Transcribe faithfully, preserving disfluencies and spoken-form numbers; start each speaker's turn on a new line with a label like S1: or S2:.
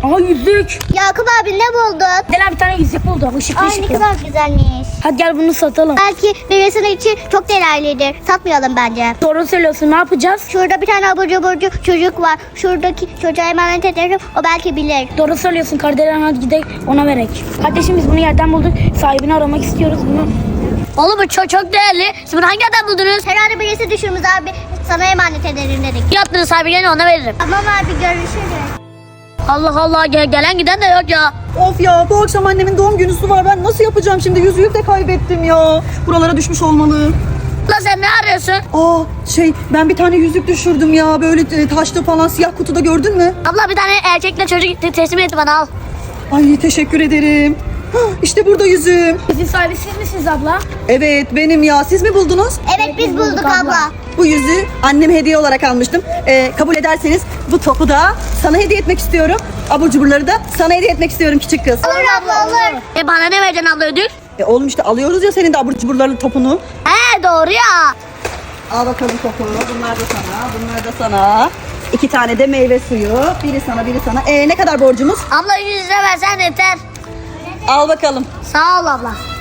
S1: Aha yüzük.
S2: Yakup abi ne buldun?
S1: Dela bir tane yüzük buldu. Işıklı
S2: Ay ne
S1: ışıklı.
S2: kadar güzelmiş.
S1: Hadi gel bunu satalım.
S2: Belki birisinin için çok değerlidir. Satmayalım bence.
S1: Doğru söylüyorsun, ne yapacağız?
S2: Şurada bir tane abur cuburcu çocuk var. Şuradaki çocuğa emanet ederim. O belki bilir.
S1: Doğru söylüyorsun Kardelen, hadi gidelim ona verek. Kardeşim biz bunu yerden bulduk. Sahibini aramak istiyoruz bunu.
S3: Oğlum bu çok, çok değerli. Siz bunu hangi yerden buldunuz?
S2: Herhalde birisi düşürmüş abi. Sana emanet ederim dedik.
S3: Yaptığınız sahibi gelince ona veririm.
S2: Tamam abi görüşürüz.
S3: Allah Allah, gel- gelen giden de yok ya.
S4: Of ya, bu akşam annemin doğum günüsü var. Ben nasıl yapacağım şimdi? Yüzüğü de kaybettim ya. Buralara düşmüş olmalı.
S3: La sen ne arıyorsun?
S4: Aa şey, ben bir tane yüzük düşürdüm ya. Böyle e, taşta falan, siyah kutuda, gördün mü?
S3: Abla bir tane erkekle çocuk te- teslim etti bana, al.
S4: Ay teşekkür ederim. Hah, İşte burada yüzüğüm.
S1: Sizin sahibi siz misiniz abla?
S4: Evet benim ya. Siz mi buldunuz?
S2: Evet biz bulduk abla.
S4: Bu yüzüğü anneme hediye olarak almıştım. Ee, kabul ederseniz bu topu da sana hediye etmek istiyorum. Abur cuburları da sana hediye etmek istiyorum küçük kız.
S2: Olur abla olur.
S3: E bana ne vereceksin abla ödül?
S4: E, oğlum işte alıyoruz ya senin de abur cuburların topunu.
S3: He doğru ya.
S4: Al bakalım topu. Bunlar da sana, bunlar da sana. İki tane de meyve suyu. Biri sana, biri sana. Ee, ne kadar borcumuz?
S3: Abla yüz lira versen yeter.
S4: Al bakalım.
S3: Sağ ol abla.